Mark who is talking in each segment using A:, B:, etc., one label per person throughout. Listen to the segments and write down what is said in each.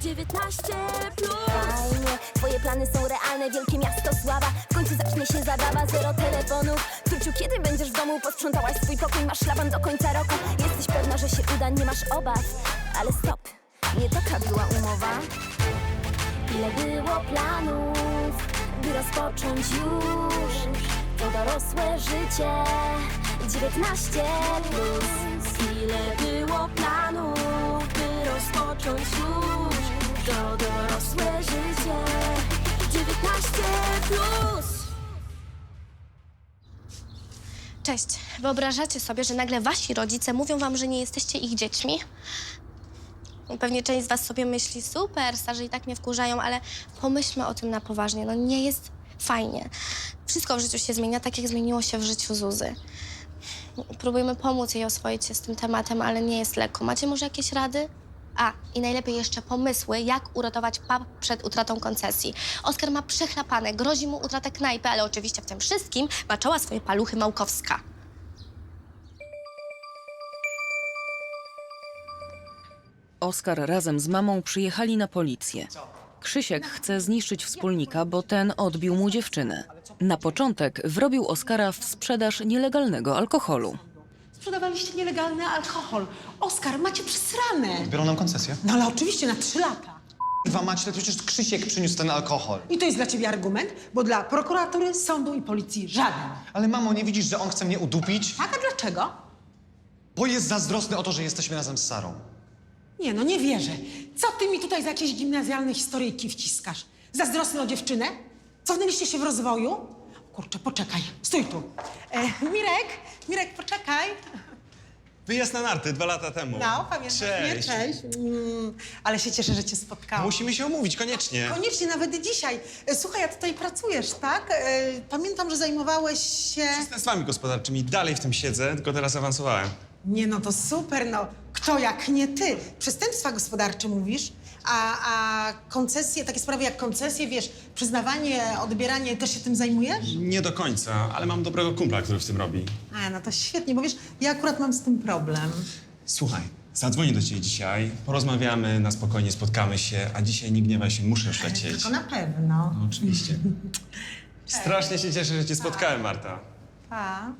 A: 19 plus. Fajnie, twoje plany są realne, wielkie miasto sława. W końcu zacznie się zabawa, zero telefonów. Turciu, kiedy będziesz w domu? Posprzątałaś swój pokój, masz szlaban do końca roku. Jesteś pewna, że się uda, nie masz obaw. Ale stop, nie taka była umowa. Ile było planów, by rozpocząć już to dorosłe życie. 19 plus. Ile było planów, by rozpocząć już to dorosłe życie. 19 plus.
B: Cześć. Wyobrażacie sobie, że nagle wasi rodzice mówią wam, że nie jesteście ich dziećmi? Pewnie część z was sobie myśli, super, starzy i tak mnie wkurzają, ale pomyślmy o tym na poważnie. No nie jest fajnie. Wszystko w życiu się zmienia, tak jak zmieniło się w życiu Zuzy. Próbujemy pomóc jej oswoić się z tym tematem, ale nie jest lekko. Macie może jakieś rady? A, i najlepiej jeszcze pomysły, jak uratować pub przed utratą koncesji. Oskar ma przechlapane, grozi mu utrata knajpy, ale oczywiście w tym wszystkim maczała swoje paluchy Małkowska.
C: Oskar razem z mamą przyjechali na policję. Krzysiek chce zniszczyć wspólnika, bo ten odbił mu dziewczynę. Na początek wrobił Oskara w sprzedaż nielegalnego alkoholu.
D: Sprzedawaliście nielegalny alkohol. Oskar, macie przesrane.
E: Biorą nam koncesję.
D: No ale oczywiście na 3 lata.
E: Dwa macie, to przecież Krzysiek przyniósł ten alkohol.
D: I to jest dla ciebie argument, bo dla prokuratury, sądu i policji żaden.
E: Ale mamo, nie widzisz, że on chce mnie udupić?
D: Tak, a dlaczego?
E: Bo jest zazdrosny o to, że jesteśmy razem z Sarą.
D: Nie, no nie wierzę. Co ty mi tutaj za jakieś gimnazjalne historyjki wciskasz? Zazdrosny o dziewczynę? Cofnęliście się w rozwoju? Kurczę, poczekaj. Stój tu. Mirek, poczekaj.
F: Wyjazd na narty 2 lata temu.
D: No, pamiętasz mnie?
F: Cześć.
D: Cześć. Ale się cieszę, że cię spotkałam.
F: Musimy się umówić, koniecznie.
D: Koniecznie, nawet dzisiaj. Słuchaj, a tutaj pracujesz, tak? Pamiętam, że zajmowałeś się...
F: Przestępstwami gospodarczymi. Dalej w tym siedzę, tylko teraz awansowałem.
D: Nie, no to super, no. Kto jak nie ty? Przestępstwa gospodarcze mówisz, a koncesje, takie sprawy jak koncesje, wiesz, przyznawanie, odbieranie, też się tym zajmujesz?
F: Nie do końca, ale mam dobrego kumpla, który w tym robi.
D: A, no to świetnie, bo wiesz, ja akurat mam z tym problem.
F: Słuchaj, zadzwonię do ciebie dzisiaj, porozmawiamy, na spokojnie spotkamy się, a dzisiaj nie gniewaj się, muszę już lecieć.
D: Tylko na pewno.
F: No, oczywiście. Strasznie się cieszę, że cię spotkałem, Marta.
D: Pa.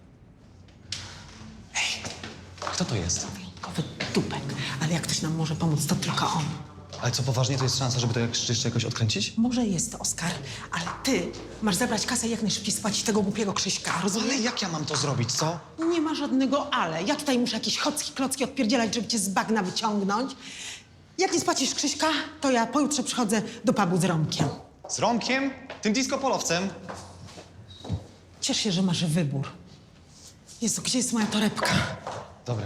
E: Kto to jest?
D: Wyjątkowy dupek, ale jak ktoś nam może pomóc, to tylko on.
E: Ale co, poważnie, to jest szansa, żeby to jeszcze jakoś odkręcić?
D: Może jest to, Oskar, ale ty masz zabrać kasę i jak najszybciej spłacić tego głupiego Krzyśka, rozumiesz?
E: Ale jak ja mam to zrobić, co?
D: Nie ma żadnego ale. Ja tutaj muszę jakieś klocki odpierdzielać, żeby cię z bagna wyciągnąć. Jak nie spłacisz Krzyśka, to ja pojutrze przychodzę do pubu z Romkiem.
E: Z Romkiem? Tym disco-polowcem?
D: Ciesz się, że masz wybór. Jezu, gdzie jest moja torebka?
E: Dobra.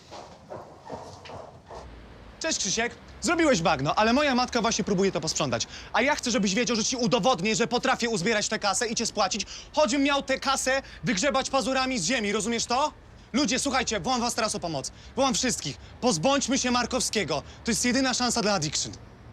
E: Cześć, Krzysiek. Zrobiłeś bagno, ale moja matka właśnie próbuje to posprzątać. A ja chcę, żebyś wiedział, że ci udowodnię, że potrafię uzbierać tę kasę i cię spłacić, choćbym miał tę kasę wygrzebać pazurami z ziemi, rozumiesz to? Ludzie, słuchajcie, wołam was teraz o pomoc. Wołam wszystkich. Pozbądźmy się Markowskiego. To jest jedyna szansa dla Addiction.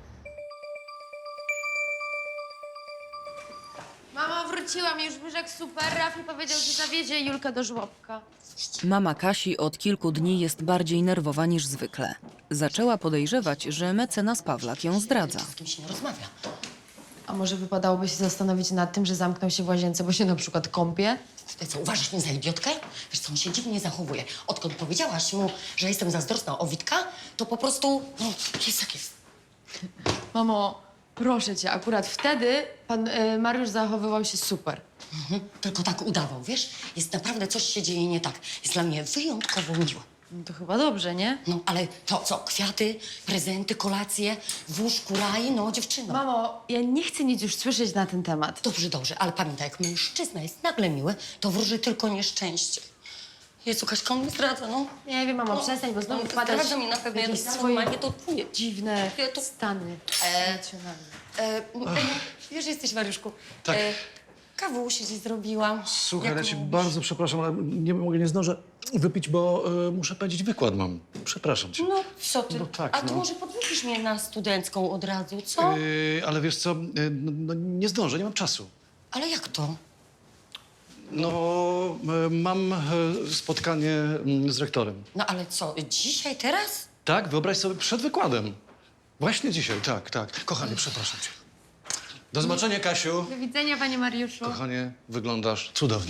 G: Mamo, wróciłam już, Byżek super. Rafi powiedział, że zawiezie Julkę do żłobka.
C: Mama Kasi od kilku dni jest bardziej nerwowa niż zwykle. Zaczęła podejrzewać, że mecenas Pawlak ją zdradza.
H: Z kim się nie rozmawia.
G: A może wypadałoby się zastanowić nad tym, że zamknął się w łazience, bo się na przykład kąpie?
H: Ty co, uważasz mnie za idiotkę? Wiesz co, on się dziwnie zachowuje. Odkąd powiedziałaś mu, że jestem zazdrosna o Witka, to po prostu, no, jest jak jest.
G: Mamo, proszę cię, akurat wtedy pan Mariusz zachowywał się super.
H: Tylko tak udawał, wiesz? Jest naprawdę, coś się dzieje nie tak. Jest dla mnie wyjątkowo miło.
G: No to chyba dobrze, nie?
H: No, ale to co, kwiaty, prezenty, kolacje, w łóżku raj, no, dziewczyno.
G: Mamo, ja nie chcę nic już słyszeć na ten temat.
H: Dobrze, dobrze, ale pamiętaj, jak mężczyzna jest nagle miły, to wróży tylko nieszczęście. Jezu, Kaśka, on mnie zdradza, no.
G: Nie wiem, mamo, przestań, bo znowu
H: no,
G: wpadasz
H: zdradza mnie na pewno, ja
G: jakieś
H: to
G: swoje
H: normalnie to czuję.
G: dziwne
H: Ja to-
G: stany emocjonalne.
H: Wiesz, że jesteś, Mariuszku.
I: Tak.
H: Kawusi ci zrobiłam.
I: Słuchaj,
H: Jak
I: ja cię
H: mówisz?
I: bardzo przepraszam, ale nie zdążę wypić, bo muszę pędzić wykład mam. Przepraszam cię.
H: No, co ty?
I: No tak,
H: A ty
I: no.
H: może podwójisz mnie na studencką od razu, co?
I: Ale wiesz co, no, nie zdążę, nie mam czasu.
H: Ale jak to?
I: No, mam spotkanie z rektorem.
H: No ale co, dzisiaj, teraz?
I: Tak, wyobraź sobie, przed wykładem. Właśnie dzisiaj, tak. Kochanie, przepraszam cię. Do zobaczenia, Kasiu.
G: Do widzenia, panie Mariuszu.
I: Kochanie, wyglądasz cudownie.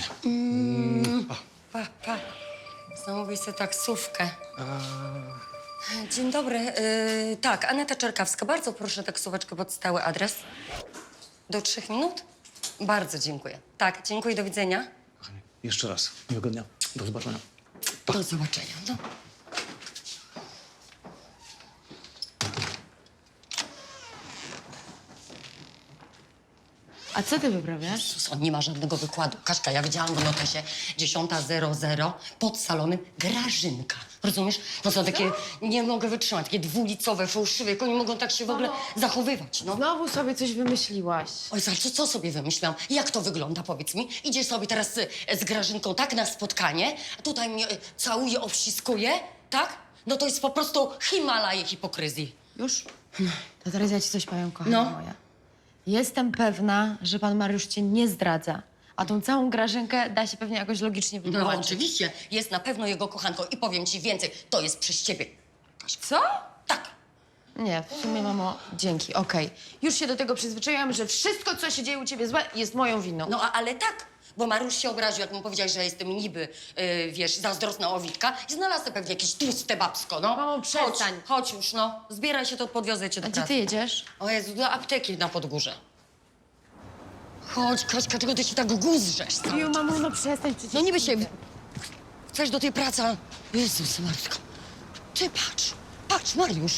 H: Pa. Zamówię sobie taksówkę. Dzień dobry. Tak, Aneta Czerkawska. Bardzo proszę taksóweczkę pod stały adres. Do 3 minut? Bardzo dziękuję. Tak, dziękuję, do widzenia.
I: Kochanie, jeszcze raz. Miłego dnia. Do zobaczenia.
H: Do zobaczenia. No.
G: A co ty wyprawiasz?
H: Jezus, on nie ma żadnego wykładu. Kaśka, ja widziałam w notesie 10:00 pod salonem Grażynka. Rozumiesz? To są takie, nie mogę wytrzymać, takie dwulicowe, fałszywe, jak oni mogą tak się w ogóle zachowywać, no.
G: Znowu sobie coś wymyśliłaś.
H: Oj, Salczo, co sobie wymyśliłam? Jak to wygląda, powiedz mi? Idziesz sobie teraz z Grażynką tak na spotkanie, a tutaj mnie całuje, obściskuje, tak? No to jest po prostu Himalaje hipokryzji.
G: Już? To teraz ja ci coś powiem, kochana
H: No.
G: moja. Jestem pewna, że pan Mariusz cię nie zdradza. A tą całą Grażynkę da się pewnie jakoś logicznie
H: No
G: wytłumaczyć.
H: oczywiście, jest na pewno jego kochanką i powiem ci więcej, to jest przez ciebie.
G: Co?
H: Tak.
G: Nie, w sumie, mamo, dzięki, okej. Już się do tego przyzwyczaiłam, że wszystko, co się dzieje u ciebie złe, jest moją winą.
H: No ale tak, bo Mariusz się obraził, jak mu powiedziałeś, że jestem niby, wiesz, zazdrosna o Witka i znalazł pewnie jakieś tłuste babsko, no.
G: Mamo, przestań.
H: Chodź już, no. Zbieraj się, to podwiozę cię do
G: A gdzie
H: pracy.
G: ty jedziesz?
H: O Jezu, do apteki na Podgórze. Chodź, Kaśka, czego ty się tak guzrzesz cały
G: Ju,
H: czas?
G: mamo, no przestań przecież.
H: No niby się... Chcesz do tej pracy, a... Jezus, Matko. Ty patrz, Mariusz.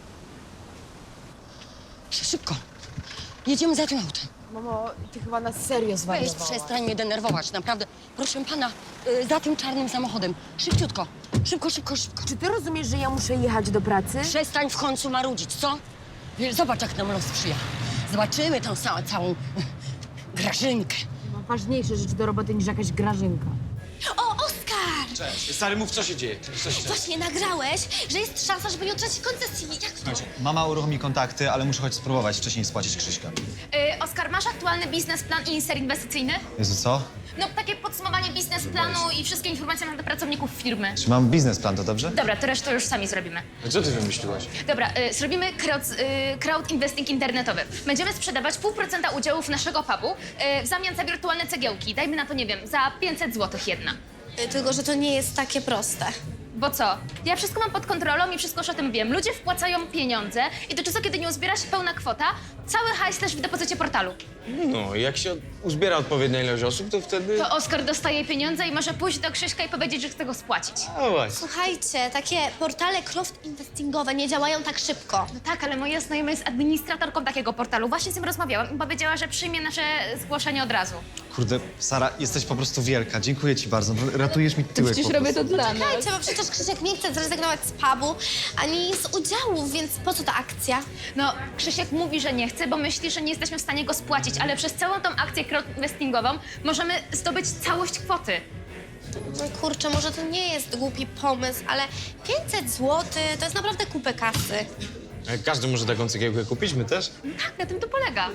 H: Szybko. Jedziemy za tym autem.
G: Mamo, ty chyba na serio
H: Weź,
G: zwariowałaś.
H: przestań mnie denerwować, naprawdę. Proszę pana, za tym czarnym samochodem. Szybciutko. Szybko.
G: Czy ty rozumiesz, że ja muszę jechać do pracy?
H: Przestań w końcu marudzić, co? Wiesz, zobacz, jak nam los sprzyja. Zobaczymy tą całą Grażynkę.
G: Mam ważniejsze rzeczy do roboty niż jakaś Grażynka.
B: O, Oskar!
F: Cześć. Stary, mów, co się dzieje.
B: Właśnie nagrałeś, że jest szansa, żeby nie utracić koncesji. Jak to?
E: Słuchajcie, mama uruchomi kontakty, ale muszę choć spróbować wcześniej spłacić Krzyśka.
J: Oskar, masz aktualny biznesplan i insert inwestycyjny?
E: Jezu, co?
J: No, takie podsumowanie biznesplanu i wszystkie informacje na temat pracowników firmy.
E: Czy mam biznesplan, to dobrze?
J: Dobra, to resztę już sami zrobimy.
F: Co ty wymyśliłaś?
J: Dobra, zrobimy crowd investing internetowy. Będziemy sprzedawać 0,5% udziałów naszego pubu w zamian za wirtualne cegiełki. Dajmy na to, nie wiem, za 500 zł jedna.
B: Tylko, że to nie jest takie proste.
J: Bo co? Ja wszystko mam pod kontrolą i wszystko już o tym wiem. Ludzie wpłacają pieniądze i do czasu, kiedy nie uzbiera się pełna kwota, cały hajs leży w depozycie portalu.
K: No, jak się uzbiera odpowiednia ilość osób, to wtedy...
J: To Oskar dostaje pieniądze i może pójść do Krzyśka i powiedzieć, że chce go spłacić.
K: No właśnie.
B: Słuchajcie, takie portale crowdinvestingowe nie działają tak szybko.
J: No tak, ale moja znajoma jest administratorką takiego portalu. Właśnie z nim rozmawiałam i powiedziała, że przyjmie nasze zgłoszenie od razu.
E: Kurde, Sara, jesteś po prostu wielka. Dziękuję ci bardzo. Ratujesz mi tyłek po prostu.
B: Słuchajcie, bo przecież Krzysiek nie chce zrezygnować z pubu ani z udziałów, więc po co ta akcja?
J: No, Krzysiek mówi, że nie chce, bo myśli, że nie jesteśmy w stanie go spłacić, ale przez całą tą akcję crowdinvestingową możemy zdobyć całość kwoty.
B: No kurczę, może to nie jest głupi pomysł, ale 500 zł to jest naprawdę kupę kasy.
K: Jak każdy może taką cegiełkę kupić, my też?
J: Tak, na tym to polega.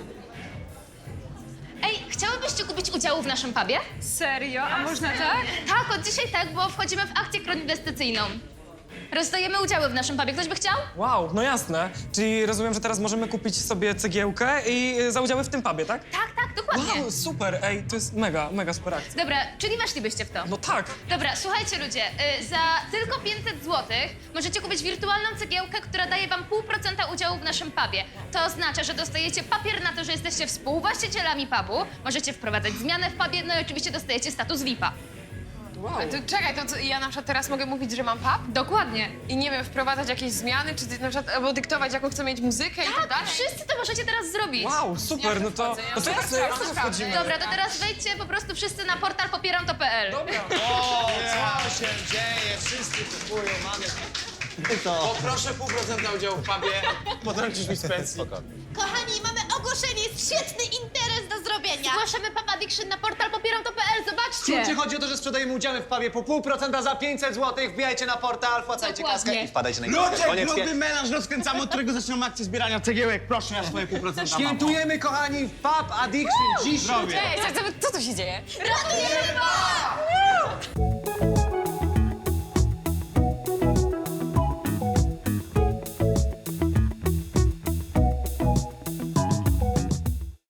J: Ej, chciałybyście kupić udziału w naszym pubie?
L: Serio? A można tak?
J: Tak, od dzisiaj tak, bo wchodzimy w akcję crowdinwestycyjną. Rozdajemy udziały w naszym pubie. Ktoś by chciał?
L: Wow, no jasne. Czyli rozumiem, że teraz możemy kupić sobie cegiełkę i za udziały w tym pubie, tak?
J: Tak, dokładnie.
L: Wow, super, ej, to jest mega super akcja.
J: Dobra, czyli weszlibyście w to?
L: No tak.
J: Dobra, słuchajcie ludzie, za tylko 500 zł możecie kupić wirtualną cegiełkę, która daje wam 0,5% udziału w naszym pubie. To oznacza, że dostajecie papier na to, że jesteście współwłaścicielami pubu, możecie wprowadzać zmiany w pubie, no i oczywiście dostajecie status VIP-a.
L: Wow.
M: To czekaj, to co, ja na przykład teraz mogę mówić, że mam pub?
J: Dokładnie.
M: I nie wiem, wprowadzać jakieś zmiany, czy na przykład, albo dyktować, jaką chcę mieć muzykę i tak dalej?
J: Wszyscy to możecie teraz zrobić.
L: Wow, super, no to jasne, wchodzimy.
J: Dobra, to teraz wejdźcie po prostu wszyscy na portal popieramto.pl.
E: O, co się dzieje? Wszyscy kupują, mamy...
K: Poproszę 0,5% udziału w pubie. Potrącisz mi z pensji.
B: Kochani, mamy ogłoszenie, jest świetny interes do zrobienia.
J: Zgłaszamy Pub Addiction na portal popieramto.pl, zobaczcie.
E: Czy chodzi o to, że sprzedajemy udziały w pubie po 0,5% za 500 zł? Wbijajcie na portal, wpłacajcie kaskę i wpadajcie na imprezę.
K: Ludzie, melanż rozkręcamy, od którego zaczynamy akcję zbierania cegiełek. Proszę, ja swoje 0,5%.
E: Świętujemy, kochani, Pub Addiction dzisiaj.
M: Ej, co tu się dzieje?
B: Ratujemy pub!